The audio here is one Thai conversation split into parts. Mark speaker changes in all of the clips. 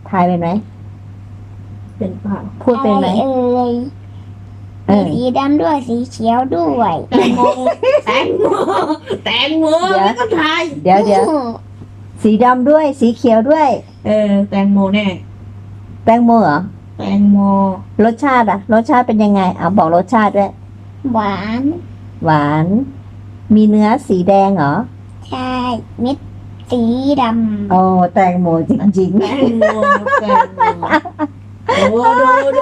Speaker 1: ทายเป็นไหม
Speaker 2: เป็นเปล่า
Speaker 1: พูดเป็นไหม
Speaker 3: มีสีดำด้วยสีเขียวด้วย
Speaker 2: แตงโมแตงโมแตงโมแล้วก็ทาย
Speaker 1: เดี๋ยวสีดำด้วยสีเขียวด้วย
Speaker 2: แตงโมแน่
Speaker 1: แตงโมเหรอ
Speaker 2: แตงโม
Speaker 1: รสชาติอะรสชาติเป็นยังไงเอาบอกรสชาติด้วย
Speaker 3: หวาน
Speaker 1: หวาน มีเนื้อสีแดงเหรอ
Speaker 3: ใช่เม็ดสีด
Speaker 1: โอ้แตงโมจริง
Speaker 2: แตงโมแตงโมดู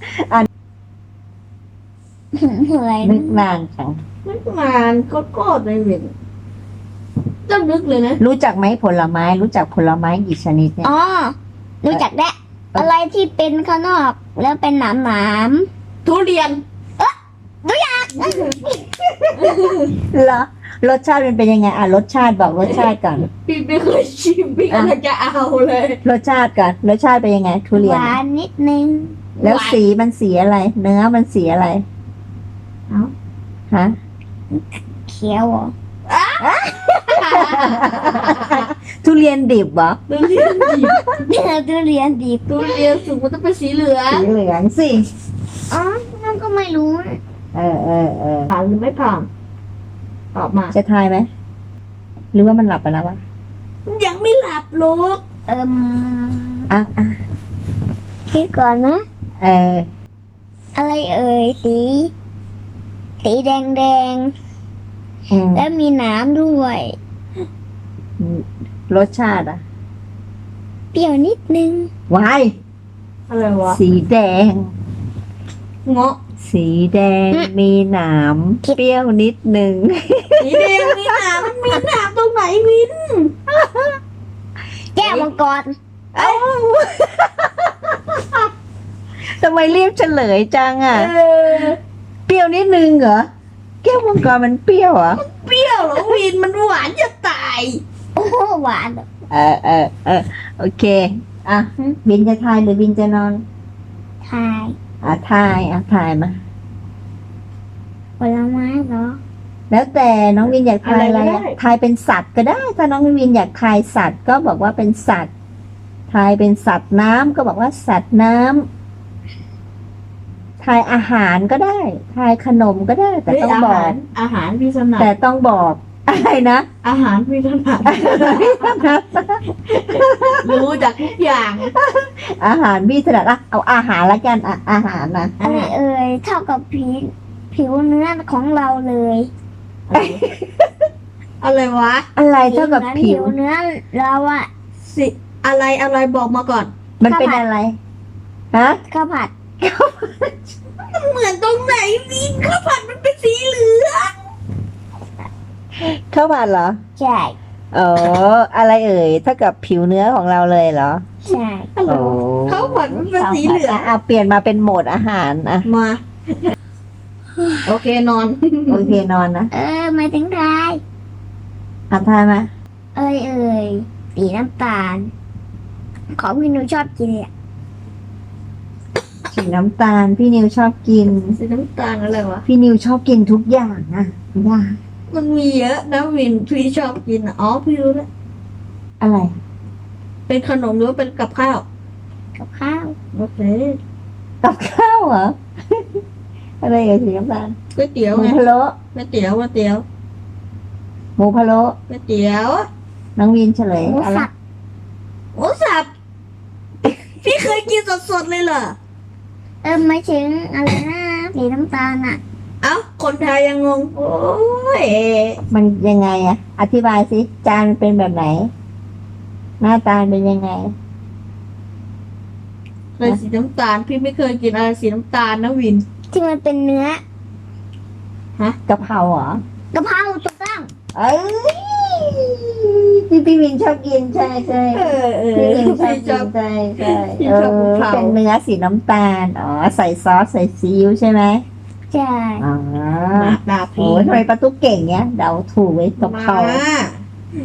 Speaker 3: ำเหมือน
Speaker 1: ๆนึกนานจัง
Speaker 2: มันมาโคตรเลยเว้ยก็นึกเลยนะ
Speaker 1: รู้จักไหมผลไม้รู้จักผลไม้กี่ชนิดเนี่ย
Speaker 3: อ๋อรู้จักแล้วอะไรที่เป็นข้างนอก แล้วเป็นหนามหนาม
Speaker 2: ทุเรียน
Speaker 1: เหรอรสชาติมันเป็นยังไงอ่ะรสชาติบอกรสชาติก่อน
Speaker 2: พี่ไม่เคยชิมพี่กำลังจะเอาเลย
Speaker 1: รสชาติก่อนรสชาติเป็นยังไง ทุเรี
Speaker 3: ห
Speaker 1: ยน
Speaker 3: วานนิดนึง
Speaker 1: แล้วสีมันสีอะไร เนื้อมันสีอะไร
Speaker 2: เอ้า
Speaker 1: ฮะ
Speaker 3: เขียวเหรอ
Speaker 1: ทุเรียนดิบเหรอ
Speaker 2: ทุเรียนดิบ
Speaker 3: ทุเรียนดิบ
Speaker 2: ทุเรียนสุกมันต้องเป็นสีเหลือง
Speaker 1: สีเหลืองสิ
Speaker 3: อ๋อนั่นก็ไม่รู้
Speaker 1: เออ
Speaker 2: ผ่านหรือไม่ผ่านตอบมา
Speaker 1: จะทายไหมหรือว่ามันหลับไปแล้ววะ
Speaker 2: ยังไม่หลับลูก
Speaker 1: อ่ะ
Speaker 3: คิดก่อนนะ
Speaker 1: เออ
Speaker 3: อะไรเอ่ยสีแดงแดง
Speaker 1: อืม
Speaker 3: แล้วมีหนามด้วย
Speaker 1: รสชาติอ่ะ
Speaker 3: เปรี้ยวนิดนึง
Speaker 1: วาย
Speaker 2: อะไรวะ
Speaker 1: สีแดง
Speaker 2: เงาะ
Speaker 1: สีแดงมีหนามเปรี้ยวนิดนึง
Speaker 2: สีแดงมีหนามมันมีหนามตรงไหนวิน
Speaker 3: แก้วมังกร
Speaker 1: ทำไมรีบเฉลยจังอ่ะ
Speaker 2: เออ
Speaker 1: เปรี้ยวนิดนึงเหรอแก้วมังกรมันเปรี้ยวเหรอ
Speaker 2: เปรี้ยวเหรอวินมันหวานจะตาย
Speaker 3: โอ้โหหวาน
Speaker 1: โอเค อ่ะวินจะทายหรือวินจะนอน
Speaker 3: ทาย
Speaker 1: ทายมา
Speaker 3: ผลไม้เหรอ
Speaker 1: แล้วแต่น้องวินอยากทายอะไรอะทายเป็นสัตว์ก็ได้ ถ้าน้องวินอยากทายสัตว์ก็บอกว่าเป็นสัตว์ ทายเป็นสัตว์น้ำก็บอกว่าสัตว์น้ำทายอาหารก็ได้ ทายขนมก็ได้ แต่ต้องบอก
Speaker 2: อาหารพี่ถนัด
Speaker 1: แต่ต้องบอกอะไรนะ
Speaker 2: อาหารพี่ถนัดรู้จากทุกอย่าง
Speaker 1: อาหารพี่ถนัดเอาอาหารละกันอาหารนะ
Speaker 3: อะไรเอ่ยเท่ากับผิวเนื้อของเราเลย
Speaker 2: อะไรวะ
Speaker 1: อะไรเท่ากับผิว
Speaker 3: เนื้อเราอะ
Speaker 2: สิอะไรบอกมาก่อน
Speaker 1: มันเป็นอะไรฮะ
Speaker 3: ข้าวผัด
Speaker 2: เหมือนตรงไหนวินข้าวผัดมันเป็นสีเหลือง
Speaker 1: ข้าวผัดเหรอ
Speaker 3: ใช่
Speaker 1: อ๋ออะไรเอ่ยเท่ากับผิวเนื้อของเราเลยเหรอ
Speaker 3: ใช่
Speaker 2: อะไรวะข้าวผัดมันเป็นสีเหลือง
Speaker 1: เอาเปลี่ยนมาเป็นโหมดอาหารอ่ะ
Speaker 2: มา โอเคนอน
Speaker 1: โอเคนอนนะ
Speaker 3: ไม่ถึงทาย
Speaker 1: ทายมา
Speaker 3: เอ่ยสีน้ำตาล ของพี่หนูชอบกินเนี่ย
Speaker 1: สีน้ำตาลพี่นิวชอบกิน
Speaker 2: สีน้ำตาลอะไรวะ
Speaker 1: พี่นิวชอบกินทุกอย่างนะว่า
Speaker 2: มันมีเยอะนะวินพี่ชอบกินอ๋อพี่รู้แล้ว
Speaker 1: อะไร
Speaker 2: เป็นขนมหรือว่าเป็นกับข้าว
Speaker 3: กับข้าว
Speaker 2: โอเค
Speaker 1: กับข้าวเหรอ อะไรเอ่ยสีน้ำตาล
Speaker 2: ก๋วยเตี๋ยว
Speaker 1: หมู
Speaker 2: ไง
Speaker 1: พะโล้
Speaker 2: ก๋วยเตี๋ยวก๋วยเตี๋ยว
Speaker 1: หมูพะโล้
Speaker 2: ก๋วยเตี๋ยว
Speaker 1: น้องวินเฉลย
Speaker 3: หมู
Speaker 1: อะไร
Speaker 3: สับ
Speaker 2: หมูสับ พี่เคยกินสดๆเลยเหรอ
Speaker 3: ไม่ถึงอะไรนะสีน้ำตาลอะ
Speaker 2: เอ้าคนไทยยังงง โอ้ย
Speaker 1: มันยังไงอะอธิบายสิจานมันเป็นแบบไหน หน้าตาเป็นยังไง
Speaker 2: เลยสีน้ำตาล พี่ไม่เคยกินอะไรสีน้ำตาลนะวิน
Speaker 3: ที่มันเป็นเนื้อก
Speaker 1: ะเพราเหรอ
Speaker 3: กะเพราถูกต้อง
Speaker 1: เอ้ยที่พี่วินชอบกินใช่ใช่ พี่วินชอบ
Speaker 2: พี่
Speaker 1: กิ
Speaker 2: ชอน บ
Speaker 1: ใช่ใช่
Speaker 2: พี่ชอบกะเพรา
Speaker 1: เป็นเนื้อสีน้ำตาลอ๋อใส่ซอสใส่ซีอิ๊วใช่ไหม
Speaker 3: ใช่
Speaker 1: อ๋อ
Speaker 2: มาดา
Speaker 1: โอ้
Speaker 2: พี่
Speaker 1: ทำไมประตูเก่งเนี้ยเดาถูกไว้ยกะเพรา
Speaker 2: มา